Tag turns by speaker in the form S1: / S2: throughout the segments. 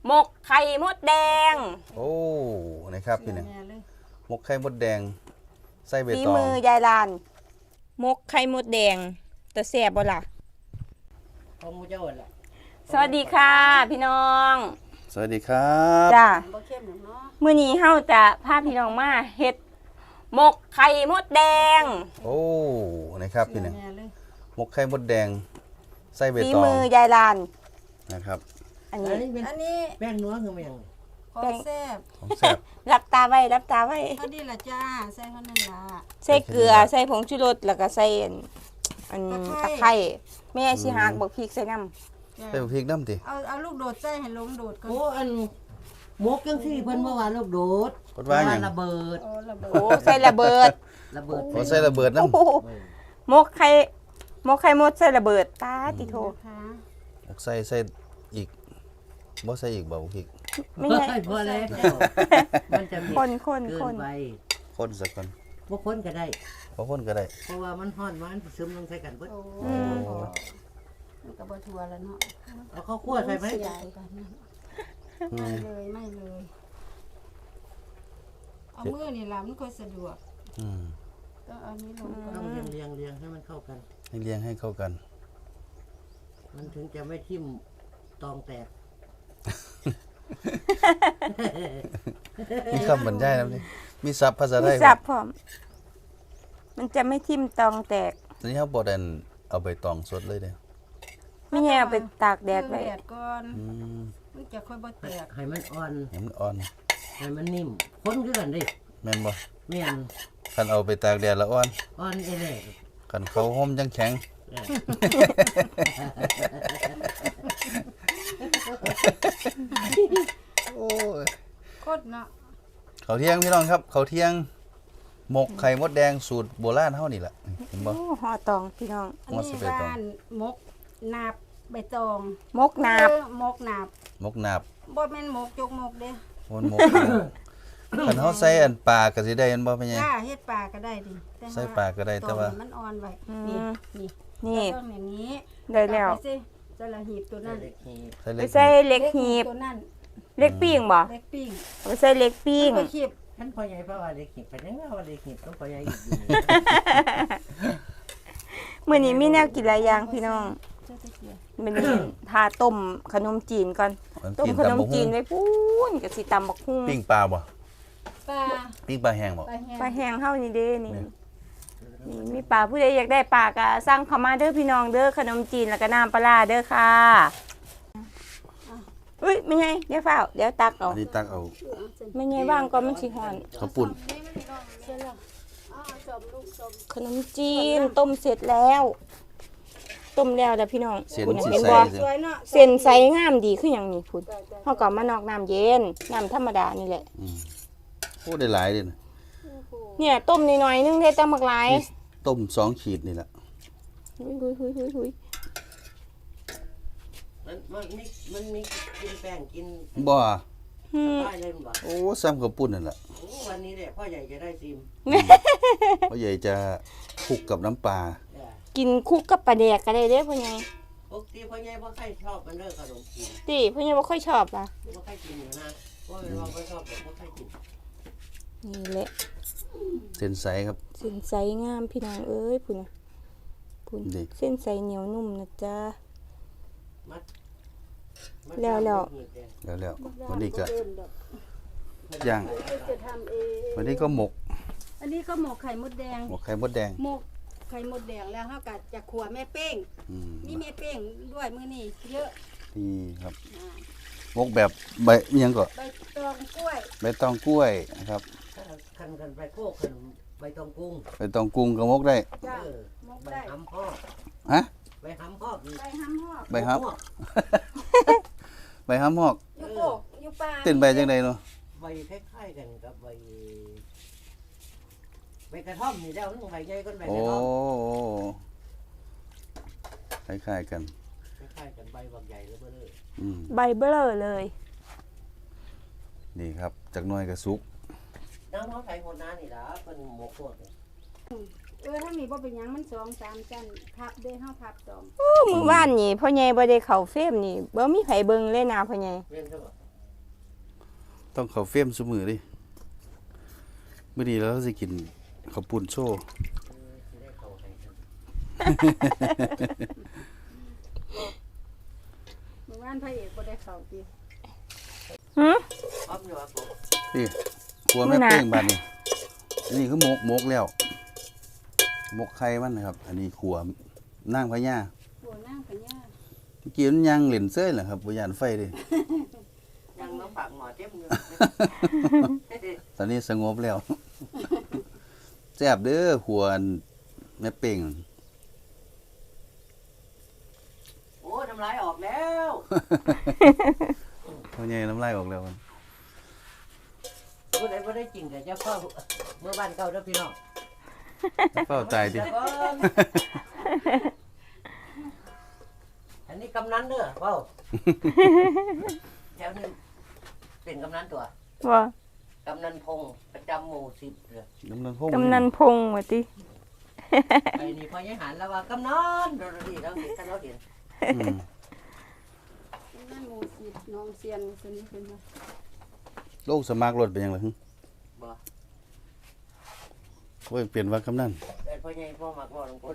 S1: หมกไข่มดแดง
S2: โอ้นะครับพี่เนี่ยหมกไข่มดแดงใส่ใบตอง
S1: ฝีมือยายลานหมกไข่มดแดงแต่แซ่บบ่ล่ะ
S3: ของมูเจ้าล่ะ
S1: สวัสดีค่ะพี่น้อง
S2: สวัสดีครับ
S1: จ้า
S3: บ่เข้มเนาะ
S1: มื้อนี้เฮาจะพาพี่น้องมาเฮ็ดหมกไข่มดแดง
S2: โอ้นะครับพี่เนี่ยหมกไข่มดแดงใส่ใบ
S1: ฝี
S2: ตอง
S1: มือยายลาน
S2: นะครับ
S1: อัน
S3: อั
S1: นี้
S3: นนี้แป้งนัวคือมันยัง
S4: ของแซ่บ
S2: ของแซ่บ
S1: รับตาไว้รับตาไว้
S4: เท่านี้ละจ้าใส่เท่านั้นละ
S1: ใส่เกลือใส่ผงชูรสแล้วก็ใส่อันตะไคร้แม่สิหักบักพริกใส่น้ำ
S2: ใส่พริกน้ำติ
S4: เอาลูกโดดใส่ให้ลงโดดก่อน
S3: โอ้อันหมกจังซี่เพิ่นเมื่อวานลูกโดด
S2: กดว่าหยัง
S3: ระเบิด
S4: โอ้ระเบิด
S1: โอ้ใส่ระเบิด
S3: ระเบิด
S2: โอ้ใส่ระเบิดน้ำ
S1: โอ้โหหมกไข่มดใส่ระเบิดตาติโท
S4: นะคะ
S2: หมกใส่อีกบ่ใส่อีกบ่พริก
S1: ไม่
S3: ไม่
S1: ใช่
S3: พอแล้วมันจะมี
S1: คน
S3: เกินไป
S2: คนสักคน
S3: บ่คนก็ได้
S2: พอคนก็ได้
S3: เพราะว่ามันฮ้อนมันซึมลงใส่กันเบิด
S4: โอ้มันกับบะทัวแล้วเนาะ
S3: เอาข้าวคั่วใส่ไหม
S4: เสียกันนะไม่เลยไม่เลยเอามือนี่ล่ะมันค่อยสะดวก
S2: อืม
S4: ต้องเอานี้ลงก่อน
S3: ต้องเรียงให้มันเข้ากัน
S2: ให้เลี้ยงให้เข้ากัน
S3: มันถึงจะไม่ทิ่มตองแตก
S2: มีคำบรรยายนะนี่มีศัพท์ภาษาไท
S1: มี
S2: ย
S1: สับพร้อมมันจะไม่ทิ่มตองแตก
S2: ตอนนี้เขาบอกดันเอาใบตองสดเลยเด้อ
S1: ไม่ใช่เอาไปตากแดดไว้
S4: แดดก่อน
S2: อืม
S4: มันจะค่อยบ่แตก
S3: ให้มันอ่อน
S2: ให้มันอ่อน
S3: ให้มันนิ่มคนคือกันดิ
S2: แม่นบ่
S3: แม่น
S2: คันเอาไปตากแดดแล้วอ่อน
S3: อ่อนเอเล่
S2: คันเขาห่มจังแข็งโอ้ย
S4: โคตรเนาะ
S2: เขาวเที่ยงพี่น้องครับเขาวเที่ยงหมกไข่มดแดงสูตรโบราณเฮานี่แหละเห็นบ่
S1: โอ้ห่อตองพี่น้อง
S4: อันนี้บ้านมกนาบใบตอง
S1: มกนาบ
S4: มกนาบ
S2: หมกนาบ
S4: บ่แม่นมกจกมกเด้
S2: มันหมกคันเฮาใส่อันปลาก็สิได้อันบ่เป็นไง
S4: จ้าเฮ็ดปลาก็ได้ดิ
S2: ใส่ปลาก็ได้แต่ว่า
S4: ตอนมันอ่อนไว้นี่นี่
S1: นี่
S4: ต้องอย่างนี้
S1: ได้แล้ว
S4: เอาไปสิจะละหีบตัวนั้น
S2: ใส่
S1: ไป
S2: เล็ก
S1: ใส่เล็กหีบ
S4: ตัวนั้น
S1: เล็กปิ้งบ่
S4: เล็กปิ้ง
S1: เอาไปใส่เล็กปิ้ง
S4: ไปคีบ
S3: ท่านพ่อใหญ่พ่อว่าเด็กหิบไปยังว่าเด็กหิบต้องพ่อใหญ่อีกอยู่
S1: มื้อนี้มีแนวกินหลายอย่างพี่น้อง
S4: เจ้าตะเกียบ
S1: มื้อนี้ทาต้มขนมจีนก่อน
S2: มัน
S1: ต้ม
S2: กิน
S1: ขน
S2: ตำ
S1: ม
S2: บัก
S1: จี
S2: หุ่
S1: น
S2: ง
S1: ไว้พูนก็สิตำบักหุ่ง
S2: ปิ้งปลาบ่
S4: ปลา
S2: ปิ้งปลาแห้งบ่
S4: ปลาแห้ง
S1: ปลาแห้งเฮานี่เด้นี่นี่มีปลาผู้ใดอยากได้ปลาก็สั่งเข้ามาเด้อพี่น้องเด้อขนมจีนแล้วก็น้ำปลาร้าเด้อค่ะอุ้ยไม่ไงเดี๋ยวเฝ้าเดี๋ยวตักเอา
S2: อันนี้ตักเอา
S1: ไม่ไงว่างก็มันสิฮ้อน
S2: ข้าวปุ้น
S4: เสร็จแล้วอ๋อสมลูกสม
S1: ขนมจีนต้มเสร็จแล้วต้มแล้วพี่น้อง
S2: เส้น
S1: พุ่นน่ะ
S2: สิ
S1: เห็น
S2: ใส่
S1: บ่
S4: สวยเนาะ
S1: เส้นใสงามดีคือหยังนี่พุ่นเฮาก็มานอกน้ำเย็นน้ำธรรมดานี่แหละ
S2: อืมโอ้ได้หลายเด้นะ
S1: เนี่ยต้มนิดๆนึงได้ตั้งบักหลาย
S2: นี่ต้ม2ขีดนี่ล่ะ
S1: หุย
S3: มันมีกินแป้งกิน
S2: บ่
S1: หืม
S3: ป้ายเลยมันบอก
S2: โอ้ซ้ำข้าวปุ้นนั่นล่ะ
S3: โอ้วันนี้แหละพ่อใหญ่จะได้ซิม
S2: พ่อใหญ่จะคลุกกับน้ำปลา
S1: กินคุกกับปลาแดกก็ได้เด้อพ่อใหญ่
S3: ปกติพ่อใหญ่พ่อใครชอบมันเด้อขนมจีน
S1: ติพ่อใหญ่บ่ค่อยชอบล่ะ
S3: พ่อใครกินอยู่นะพ่อเป็นว่าพ่อชอบแบบพ่อใครกิน
S1: นี่แหละ
S2: เส้นใสครับ
S1: เส้นใสงามพี่น้องเอ้ยพุ่นน่ะพุ่น
S2: นี่
S1: เส้นใสเหนียวนุ่มนะจ๊ะ
S3: มัด
S1: แล้ว
S2: แล้ววันนี้ก็
S4: เริ่มดอก
S2: ย่าง
S4: จะทำเอง
S2: วันนี้ก็หมก
S4: อันนี้ก็หมกไข่มดแดง
S2: หมกไข่มดแดง
S4: หมกไข่มดแดงแล้วเฮาก็จะขัวแม่เป้ง
S2: อืม
S4: มีแม่เป้งด้วยมื้อนี้เยอะ
S2: นี่ครับ
S4: อ่า
S2: หมกแบบใบอิหยังก็
S4: ใบตองกล้วย
S2: ใบตองกล้วยนะครับ
S3: คันกันไปโคกขนมใบตองกุ้ง
S2: ใบตองกุ้งก็หมกได้
S4: จ้า หมก
S3: ใบ
S4: ได้
S3: หำพ่อ
S2: ฮะ
S3: ใบหำพ่อคือ
S4: ใบห้ำหอก
S2: ใบฮับ ใบฮับหอก
S4: อยู่โกกอยู่ป่า
S2: เต้นใบจังไดเนาะ
S3: ใบคล้ายๆกันกับใบกระท่อมนี่แล้วนึงใบใหญ่ก็ใบ
S2: โอ้
S3: กระท่อม
S2: คล้ายๆกัน
S3: คล้ายๆกันใบบักใหญ่แล้วเบ้อเลย
S2: อืม
S1: ใบเบ้อเลย
S2: นี่ครับจากหน่วยกระสุก
S3: น้ำเขาใส่หัวน้านี่ล่ะเป็นหมกโคตร
S4: ถ้ามีบ่เป็นหยังมัน2-3จันพับเด้เฮาพับตอม
S1: โอ้มื้อวานนี่พ่อใหญ่บ่ได้เข้าเฟรมนี่บ่มีไผเบิ่งเลยนะพ่อใหญ่
S3: เรียนใช่ปะ
S2: ต้องเข้าเฟรมซุมื้อดิมื้อนี้เราสิกินข้าวปุ้นโชว์
S3: สิได้เข้าให้ครับ
S4: เมื่อวานพระเอกบ่ได้เข้าติ
S1: หือ
S3: อ้อมอยู่ว่าผม
S2: นี่ครัวแม่
S1: มื้อหน้า
S2: เป้งบัดนี้อันนี้คือหมกแล้วหมกไข่มันนะครับ อันนี้ขัวนางพญา
S4: โอ้นางพญา
S2: เมื่อกี้มันยังเล่นเซ้ยเหรอครับบ่ย่านไฟเดิ
S3: ยังมาปากหมอเต็มอยู่
S2: ตอนนี้สงบแล้ว แซ่บเด้อขัวแม่เป้ง
S3: โอ้น้ำลายออกแล้ว
S2: เขาใหญ่น้ำลายออกแล้วมัน
S3: ผู้ใดบ่ได้จริงก็จะเข้าเมื่อบ้านเก่าเด้อพี่น้อง
S2: เฝ้าตายดิ
S3: เดี๋วก่อนอันนี้กำนันเด้อเว้าแถวนี้เป็นกำนันตัว
S1: ว่าก
S3: ำนันพงษ์ประจำหมู่10เด้อก
S2: ำนันพง
S1: กำนันพงษ์ว่าติ
S3: ไอ้นี่พอยายหันแล้วว่ากำนันเราดีเราเห็นกันเราเห็น
S2: อืม
S4: นั่นหมู่10น้องเซียนซั่นนี่เพิ่นว่า
S2: โลกสมัครรถเป็นยังไง
S3: บ่
S2: โอ้ยเปลี่ยนว่ากำนัน
S3: แต่พ่อใหญ่พ่อมักว่าลงคน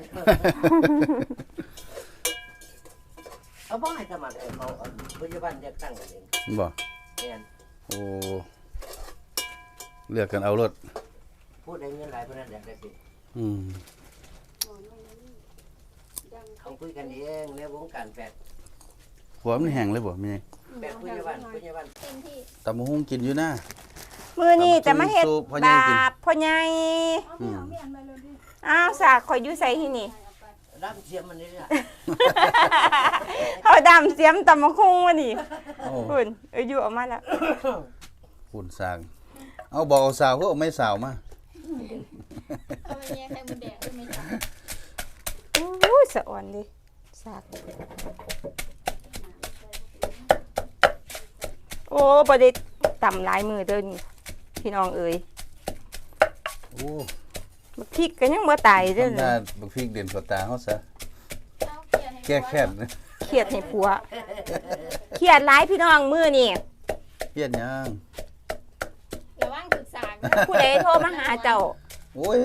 S3: เอาบ่ให้สมัครเขาปัจจุบันเลือกตั้งกันเอง
S2: บ่
S3: แม่น
S2: โอ้เลือกกันเอารถ
S3: ผู้ใดเงินหลายผู้นั้นอยากได้สิ
S2: อืม
S4: อ๋อนั่นนี่ดัง
S3: เขาคุยกันเองในวงการแฟด
S2: หัวมันแห้งเลยบ่แม่
S3: แฟดผู้ใหญ่บ้านผู้ใหญ่บ้าน
S2: ตำบักหุ่งกินอยู่นะ
S1: มื้อนี้จะมาเฮ็ด
S2: สู้พ่อใหญ่
S1: บา
S2: กิน
S1: ปพ่อใหญ่
S4: เอาไม่เอาไม่อันมาเลยดิ
S1: อ้าวสากข่อยอยู่ไสที่นี่
S3: ร่ำเสียมมันนี่ล่ะ
S1: เขาดำเสียมตำมะคุงวะนี่
S2: โอ้
S1: คุณอยู่ออกมาแล้ว
S2: ฝุ่นสางเอาบอกเอาสาวก็เอาไม่สาวมา
S5: เอาไปแยกไข่มดแดงได้ไหมจ๊ะ
S1: อู้สะอ่อนดิสากโอ้บ่ได้ต่ำหลายมือเด้อนี่พี่น้องเอ๋ย
S2: โอ้
S1: บักพริกก็ยังบ่ตายเด้อ
S2: ทำหน้าบักพริกเด่นกว่าตาเฮาซะ
S5: เอาเกลียดให้
S2: แก้แค้นนะ
S1: เครียดให้ผัวเครียดหลายพี่น้องมือนี่
S2: เฮียนยัง
S5: ระวังศึกษา
S1: ผู้ใดโทรมาหาเจ้า
S2: โอ้ย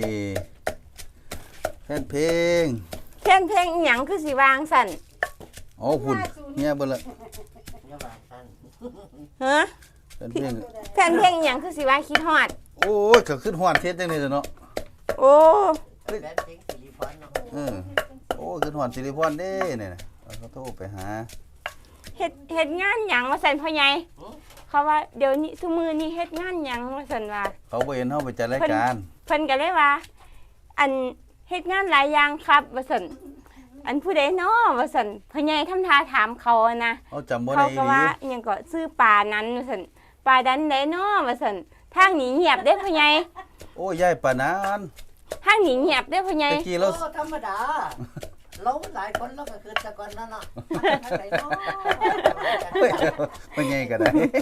S2: แฟนเพลง
S1: เพี้ยนเพลงอิหยังคือสิวางสั่น
S2: โอ้ฝุ่นเมียเบิ่ละ
S3: อย่าว่าซั่น
S1: ฮะ
S2: แฟนเพลง
S1: เพี้ยนเพลงอิหยังคือสิว่าคิดฮอด
S2: โอ้ยก็ขึ้นฮ้อนเทศจังได๋เนาะ
S1: โอ้
S3: แฟนเพลงสิริพรเนาะ
S2: เออโอ้ขึ้นฮ้อนสิริพรเด้เนี่ยนะเขาโทรไปหา
S1: เฮ็ดงานหยังว่าซั่นพ่อใหญ่เขาว่าเดี๋ยวนี้ซุมื้อนี้เฮ็ดงานหยังว่าซั่นว่า
S2: เขาบ่เห็นเฮาไปจัดรายการ
S1: เพิ่นก็เลยว่า อันเฮ็ดงานหลายอย่างครับว่าซั่นอันผู้ใดน้อว่าซั่นพ่อใหญ่ทำท่าถามเขาอะนะ
S2: เขาจำบ่
S1: เขา
S2: ได้อี
S1: ก็
S2: หลี
S1: ว่าอิหยังก็ซื้อปลานั้นว่าซั่นปลาดันได้น้อว่าซั่นทางนี้เงียบเด้อพ่อใหญ่
S2: โอ้ยายปานนั้น
S1: ทางนี้เงียบเด้อพ่อใหญ่
S2: ตะกี้เรา
S3: โอ้ธรรมดาเราหลายคนเราก็คือแต่ก่อนนั่นเนาะทางไหนเนาะ
S2: เฮ้ยเป็นไงก็ได้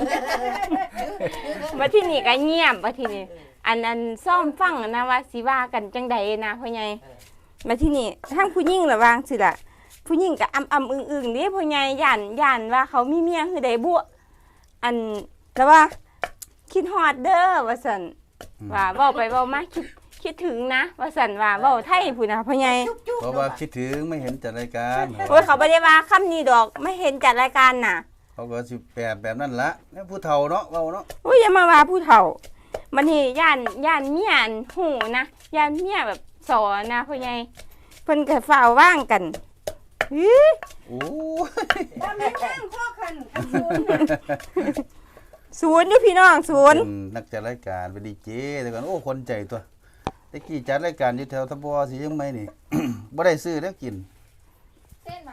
S1: มาที่นี่ก็เงียบมาที่นี่อันซ่อมฟังนะว่าสิว่ากันจังใดนะพ่อใหญ่มาที่นี่ทางผู้หญิงระวางสิล่ะผู้หญิงก็อึ้งๆเด้พ่อใหญ่ย่านว่าเขามีเมียคือใดบุอันแล้วว่าคิดฮอดเด้อว่าซั่นว่าเว้าไปเว้ามาคิดถึงนะว่าซั่นว่าเว้าไทยพุ่นน่ะพ่อใหญ่
S2: เพราะว่าคิดถึงไม่เห็นจัดรายการ
S1: โอ้ยเขาบ่ได้ว่าคำนี้ดอกไม่เห็นจัดรายการน่ะ
S2: เขาก็สิแปลแบบนั้นละแล้วผู้เฒ่าเนาะเว้าเนาะ
S1: โอ้ยอย่ามาว่าผู้เฒ่ามันนี่ย่านเมียนหูนะย่านเมียแบบสอนนะพ่อใหญ่เพิ่นก็ฝ้าวว่างกันอื้อ
S2: โอ้ย
S4: บ่มีแห้งพ่อคันอันสูง
S1: ศูนย์อยู่พี่น้องศูนย์
S2: เป็นนักจัดรายการเป็นดีเจแต่ก่อนโอ้คนใจตัวตะกี้จัดรายการอยู่แถวทบสิยังไม่นี่ บ่ได้ซื้อแล้วกิน
S5: เส้นมา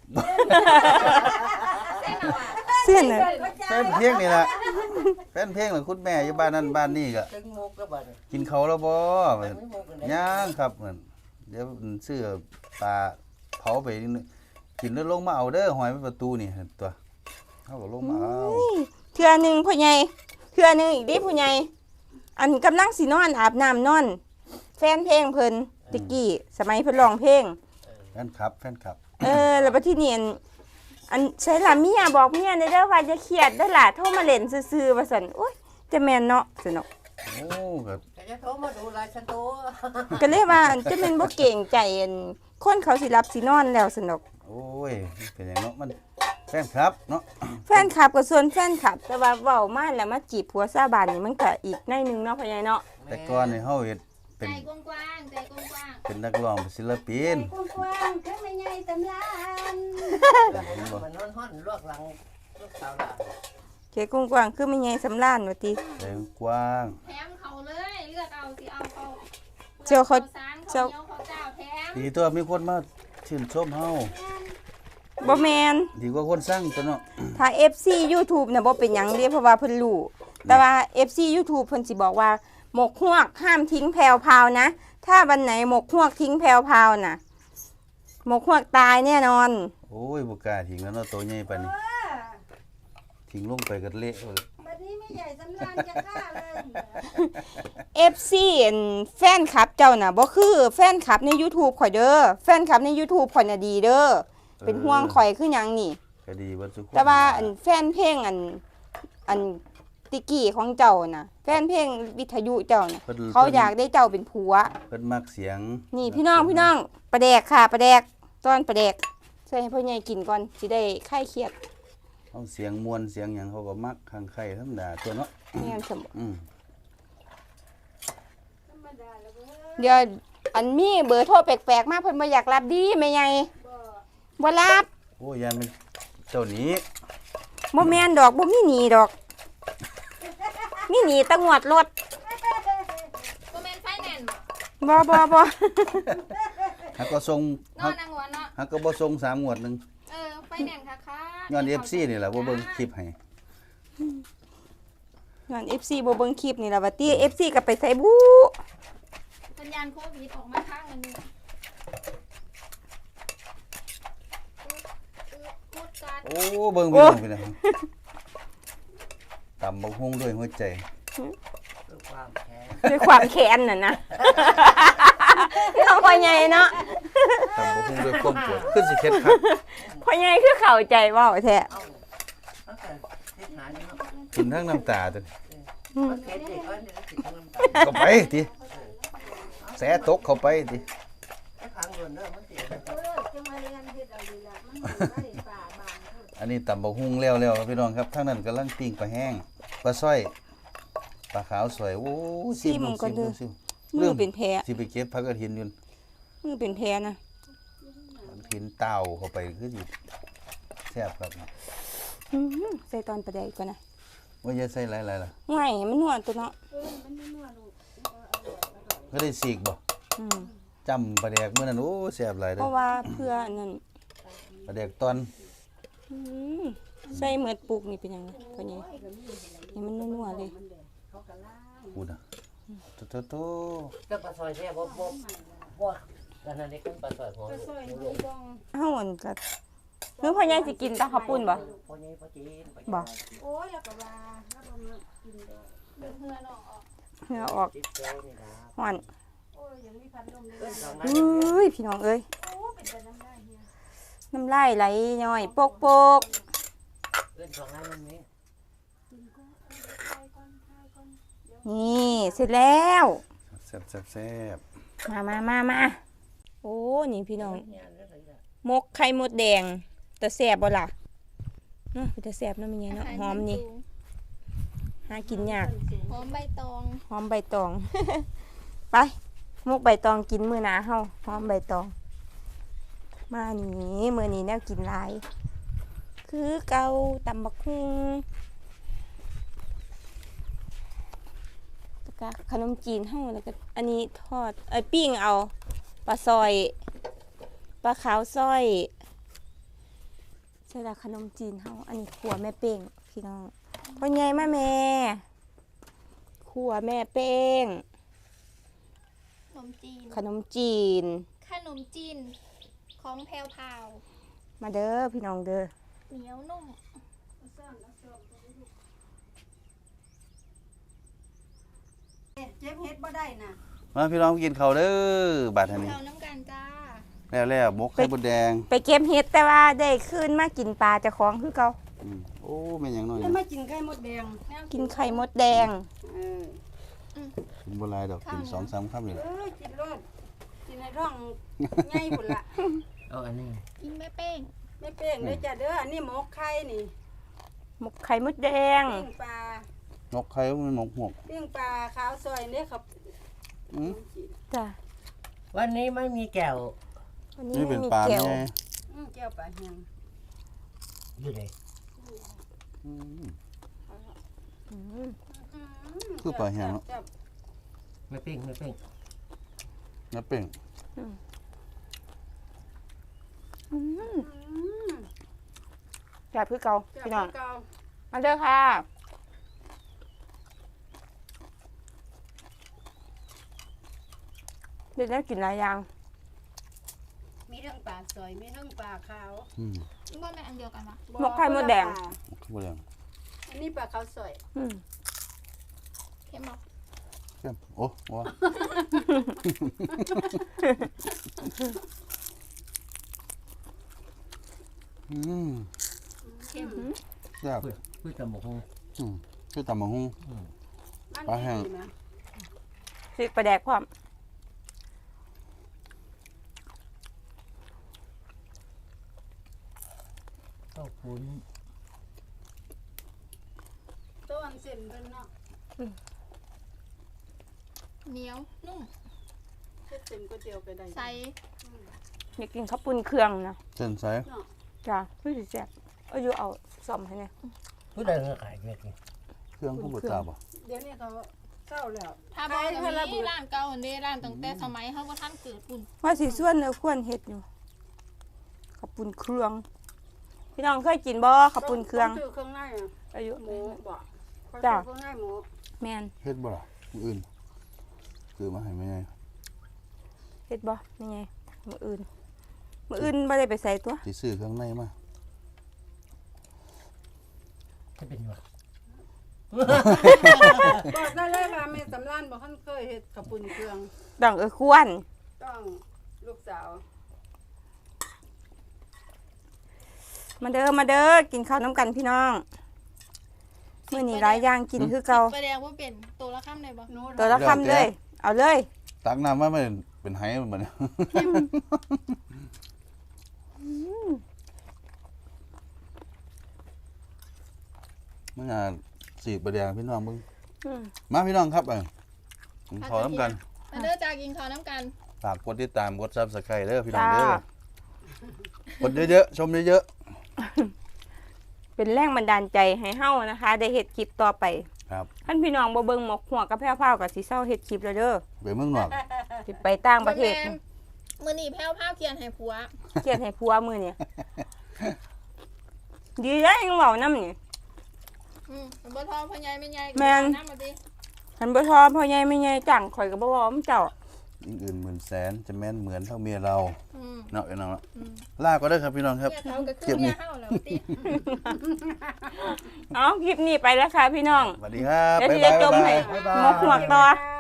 S1: เส้นน่ะ
S2: แฟนเพลงนี่ล่ะแฟนเพลงล่ะคุณแม่อยู่บ้านนั้นบ้านนี้ก็
S3: ถึงมุกแล้วบัดนี้
S2: กินข้าวแล้วบ่
S3: ไม่มุกกันได้
S2: ย่างครับเหมือนเดี๋ยวซื้อปลาเผาไปกินแล้วลงมาเอาเด้อหอยไปประตูนี่ตัวเฮาก็ลงมาเอา
S1: เทื่อหนึงพ่อใหญ่เทื่อหนึงอีกเดิพ่อใหญ่อันกำลังสินอนอาบน้ำนอน แฟนเพลงเพิ่นตะกี้สมัยเพิ่นร้องเพลง
S2: แฟนคลับ
S1: แล้วบัดทีนี้อันอันใช่ล่ะเมียบอกเมียในเด้อว่าจะเครียดเด้อล่ะโทรมาเล่นซื่อๆว่าซั่นโอ๊ยจะแม่นเนาะซั่นเนาะ
S2: โอ้ก็
S3: แต่จะโทรมาดูลายฉันโต
S1: ก็เลยว่าอันจะแม่นบ่เก่งใจอันคนเขาสิรับสินอนแล้วซั่นดอก
S2: โอ้ยเป็นหยังเนาะมันแฟนครับเนาะ
S1: แฟนคลับก็ส่วนแฟนคลับ แต่ว่าเว้ามาแล้วมาจีบผัวซาบานนี่มันก็อีกในหนึงเนาะพ่อใหญ่เนาะ
S2: แต่ก่อนนี่เฮาเฮ็ดเป็น
S5: ใจกว้างๆใจกว้าง
S2: เป็นนักร้องเป็นศิลปิน
S4: กว้างๆคือไม่ใหญ่สำลาน
S3: มันนอนห้อนลวกหลังลวกสาวหลัง
S1: เกกว้างๆคือไม่ใหญ่สำล้านว่าติ
S2: ใจกว้าง
S5: ๆแถมเขาเลยเลือกเอาสิเอาเขา
S1: เจ้าเขา
S5: สาร
S1: เจ้า
S5: เขาเหนียวเขาเจ้าแถม
S2: ดีตัวมีคนมาชื่นชมเฮา
S1: บ่แม่น
S2: ดีกว่าคนสร้างตัวเนาะ
S1: ถ้า FC YouTube น่ะบ่เป็นหยังเด้เพราะว่าเพิ่นรู้แต่ว่า FC YouTube เพิ่นสิบอกว่าหมกฮวกห้ามทิ้งแพรวพราวนะ ถ้าวันไหนหมกฮวกทิ้งแพรวพราวน่ะหมกฮวกตายแน่นอน
S2: โอ้ยบ่กล้าทิ้งแล้วเนาะตัวใหญ่ปานนี้ทิ้งลงไปก็เละเลย
S4: บัดนี้ไม่ใหญ่สำลานจะฆ่าเลย
S1: FC อันแฟนคลับเจ้าน่ะบ่คือแฟนคลับใน YouTube ข่อยเด้อแฟนคลับใน YouTube ข่อยน่ะดีเด้อเป็นห่วงข่อยคือหยังนี่
S2: ก็ดีเบ่ทุกคน
S1: แต่ว่าอันแฟนเพลงอันติกี้ของเจ้าน่ะแฟนเพลงวิทยุเจ้าน่ะเขาอยากได้เจ้าเป็นผัว
S2: เพิ่นมักเสียง
S1: นี่พี่น้องปลาแดกค่ะปลาแดกตอนปลาแดกใส่ให้พ่อใหญ่กินก่อนสิได้คลายเครียด
S2: เอาเสียงมวนเสียงหยังเขาก็มักข้างไข่ธรรมดาตัวเนาะ
S1: แม่นสมบ่
S2: อืม
S4: ธรรมดาแล้วเว้ย
S1: เดี๋ยวอันมีเบอร์โทรแปลกๆมาเพิ่นบ่อยากรับดีแม่ใหญ่
S4: บ่
S1: บ่รับ
S2: โอ้ยยันเป็นเจ้าหนี้
S1: บ่แม่นดอกบ่มีหนีดอกมีหนีแตะงวดรถ
S5: ก็แมนไฟแนนซ์บ่
S1: บ่
S2: ฮักก็ส่ง
S5: นอนนางหัวเนาะ
S2: ฮักก็บ่ส่ง3งวดหนึง
S5: ไฟแนนซ์ค่ะ
S2: ย้อน FC นี่แหละบ่เบิ่งคลิปให้
S1: ย้อน FC บ่เบิ่งคลิปนี่ล่ะว่าติ FC ก็ไปใส่บู
S5: สัญญาณโควิดออกมาข้างอันนี้พูดการ
S2: โอ้เบิ่งพี่น้องพี่น้องตำบักฮุ่งด้วยหัวใจ
S3: ด้วยความแค้น
S1: ด้วยความแค้นน่ะนะน้องพ่อใหญ่เนาะ
S2: ตำบักฮุ่งด้วยความปวดขึ้นสิเข็ดครับ
S1: พ่อใหญ่คือเข้าใจเว้าแท้
S3: เอ้าตั้งแต่เทศนานี่เนาะ
S2: กินทั้งน้ำตาตัวนี้
S3: มันเทศเด็กก็เนี่ยติดทั้งน้ำตา
S2: เข้าไปติแสตกเข้าไปติ
S3: ไอ้พังเงินเด้อมันติด
S4: จังมาเรียนเฮ็ดเอาดีละมันบ่ได้ป่าบานเพิ่น
S2: อันนี้ตำบักฮุ่งแล้วครับพี่น้องครับทั้งนั้นกำลังปิ้งปลาแห้งปลาสร้อยปลาขาวสวยโอ้ซิมซิม
S1: มือเป็นแผล
S2: สิไปเก็บผักกระถินอยู่
S1: มือเป็นแผลนะ
S2: กระถินเต้าเข้าไปคือสิแซ่บครับ
S1: ใส่ตอนประเดี๋ยวก่อนนะ
S2: ว่าจะใส่หลายๆล่ะ
S1: ง่ายมันนวดตัวเนาะ
S4: มันไม่นัวลูก
S2: ก็ได้สีกบ่
S1: อืม
S2: จำปลาแดกมื้อนั้นโอ้แซ่บหลาย
S1: เพ
S2: เด้อ
S1: ราะว่าเพื่ออันนั้น
S2: ปลาแดกตอน
S1: อืมใส่เหมือดปลูกนี่เป็นยังไงตัวนี้นี่มันนัวๆเลย
S2: พูดน่ะโต
S3: ก็ปลาซอยแท้บ่กันนั่นนี่กันปลาซอยของ
S4: ก็ซอย
S3: ลู
S4: นี่
S3: ก
S4: บ้อง
S1: เฮาอันก็คือพ่อใหญ่สิกินแตะข้าวปุ้นบ่
S3: พ่อใหญ่พ่อจีน
S1: บ่
S4: โอ้ยแล้วก็ว่าแล้วก็มากินดอก
S5: เพื่อนออก
S1: เหงื่อออก
S3: จิตใจนี่นะ
S1: ฮ้อน
S4: โอ้ยยังมีพัดลมเลย
S3: เอิ้นสอง
S1: เอ
S3: นั้น้
S1: ยพี่น้องเอ้ย
S4: โอ้เป็นแต่น้ำได้เฮีย
S1: น้ำลายไหลย่อยโปก
S3: เอิ้นสองนั้นมันนี้
S4: กินก็ทายก่อน
S1: ๆนี่เสร็จแล้ว
S2: แซ่บ
S1: มาโอ้นี่พี่น้อง
S3: เนี่ยเรื่องอะไรล่ะ
S1: มกไข่มดแดงแต่แซ่บบ่ล่ะเนาะแต่แซ่บเนาะมีไงเนาะหอมนี่หากินยาก
S5: หอมใบตอง
S1: หอมใบตอง ไปมกใบตองกินมื้อหนาเฮาหอมใบตอง มานี่มื้อนี้แนวกินหลาย คือเกาตำบักหุ่งแล้วก็ขนมจีนเฮาแล้วก็อันนี้ทอดปิ้งเอาปลาซอยปลาขาวซอยใช่ละขนมจีนเฮาอันนี้ขัวแม่เป้งพี่น้องพ่อใหญ่มาแม่ขัวแม่เป้ง
S5: ขนมจีน
S1: ขนมจีน
S5: ขนมจีนของแพรวพราว
S1: มาเด้อพี่น้องเด้อ
S5: เหนียวนุ่ม
S4: เจ็บเฮ็ดบ่ได้น่ะ
S2: ๆมาพี่น้องกินข้าวเด้อบาดอันนี้
S5: เราน้ำกันจ้า
S2: แล้วหมกไข่มดแดง
S1: ไปเก็บเห็ดแต่ว่าได้คืนมากินปลาเจ้าของคือเก่า
S2: โอ้แม่นหยังน้อย
S4: แล้วมากินไข่มดแดง
S1: กินไข่มดแดง
S4: เออ
S2: กินบ่หลายดอกกิน2-3คำนี่แหละ
S4: กินรสกินในท้องใหญ่พุ่นละ
S3: เอาอันนี้
S5: กินแม่เป้ง
S4: ไม่เป้งเด้อจ้ะเด้ออันนี้หมกไข่นี่
S1: หมกไข่มดแดง
S4: ปิ้งปลา
S2: หมกไข่มันหมกหวก
S4: ปิ้งปลาขาวซอยนี่ครับ
S2: อืม
S1: จ้ะ
S3: วันนี้ไม่มีแก้ว
S1: วันนี้
S2: นี่
S1: ไม่
S2: เป็น
S1: มี
S2: ปลา
S1: แก้ว
S2: ไง
S4: แก้วปลาแห้ง
S3: อยู่ไหน
S2: คือปลาแห้งเนาะ
S3: ไม่ปิ้งไม่ปิ้ง
S2: น้ำเป้ง
S1: จ้ะคือเก่าพี่น้อง
S4: เก่า
S1: มาเด้อค่ะเดี๋ยวได้กินหลายอย่าง
S4: มีทั้งปลาซอยมีทั้งปลาขาว
S5: ว่าแม่อันเดียวกันปะ
S1: หมกไข่มดแดง
S2: หมกไข่มดแดง
S4: อันนี้ปลาขาวซอย
S5: เค็มบอก
S2: เข้มโอ้ว้า
S5: เค็ม
S2: แซ่บ
S3: พืชตะหมกฮง
S2: คือตำบักหุ่ง ปลาแห้ง
S4: ดีนะ
S1: พริกปลาแดกพร้อม
S3: ข้าวปุ้น
S4: ต้นเส้นเพิ่นเนาะ
S5: เหนียวนุ่ม
S4: เฮ็ดเส้นก๋วยเตี๋ยวไปได้
S5: ใส
S1: อยากกินข้าวปุ้นเครื่องนะ
S2: เส้นใส
S4: เนาะ
S1: จ้ะพี่สิแซ่บเอาอยู่เอาซ่อมให้เนี่ย
S3: ผู้ใดเงาขายเม็ดนี่
S2: เครื่องผู้บดตาบ่
S4: เดี๋ยวนี้เขาเศร้าแล้ว
S5: ถ้าบอกว่ามีร้านเก่าอันนี้ร้านตั้งแต่สมัยเขาว่าท่านเกิดปุ่น
S1: ว่าสิส่วนเนื้อควรเฮ็ดอยู่ข้าวปุ้นเครื่อง พี่น้องเคยกินบ่ข้าวปุ้นเครื่อง
S4: ซื้อเครื่องในอะ
S1: อายุ
S4: หมูบ่
S1: จ้ะ
S4: เครื่องในหมู
S1: แม่น
S2: เฮ็ดบ่ล่ะมื้ออื่นคือมาให้แม่ไง
S1: เฮ็ดบ่นี่ไงมื้ออื่นบ่ได้ไปใส่ตัว
S2: สิซื้อเครื่องในมา
S3: จะเป็นวะ
S4: บอกได้เลยว่าแม่สำรานบ่คันเคยเฮ็ดข้าวปุ้นเครื่อง
S1: ต้องควร
S4: ต้องลูกสาว
S1: มาเด้อกินข้าวน้ำกันพี่น้องมื้อนี้หลายอย่างกินคือเก่า
S5: ไปแดงว่าเป็นตัวละข้ามเลยบ่
S4: หนู
S1: ตัวละคำเลย เอาเลย
S2: ตักน้ำมาไม่เป็นไหมันบ่เนี่ยมันน่ะสีกประแดงพี่น้องเบิ่ง
S1: อืม
S2: มาพี่น้องครับผมขอน้ำกัน
S5: มาเด้อจากกินข้าวน้ำกัน
S2: ฝากกดติดตามกด Subscribe เด้อพี่น้อง
S1: จ้า
S2: เด้อกดเยอะๆชมเยอะ
S1: เป็นแรงบันดาลใจให้เฮานะคะ ได้เฮ็ดคลิปต่อไป
S2: ๆครับ
S1: ท่านพี่น้องบ่เบิ่งหมกหัวกับแพ้วๆก็สิเซาเฮ็ดคลิปแล้วเด้อ
S2: ไปเมืองนอก
S1: สิไปต่างประเทศ
S5: มือหนีแพ้วผ้าเขียนให้ผัว
S1: เครียดให้ผัวมื้อนี้ดีแล้วยังเว้านำนี่
S5: บ่ทอพ่อใหญ่ไม่ใหญ่
S1: แม่น
S5: น้ำมาดิ
S1: คันบ่ชอพ่อใหญ่แม่ใหญ่จังข่อยก็บ่เว้านำเจ้า
S2: ยิ่งอื่นหมื่นแสนจะแม่นเหมือนเท่าเมียเรา
S5: อืม
S2: เนาะพี่น้องเนาะลาก็ได้อครับพี่น้องครับ
S5: เมียเขาก็คือเมียเฮาแล้วติ
S1: เอาคลิปนี้ไปแล้วค่ะพี่น้อง
S2: สวัสดีครับ
S1: เดี๋ยว
S2: บ๊าย
S1: สิ
S2: บาย
S1: ได้จมให้
S2: บ๊ายบาย
S1: หมกหัวต่อ
S4: ค่ะ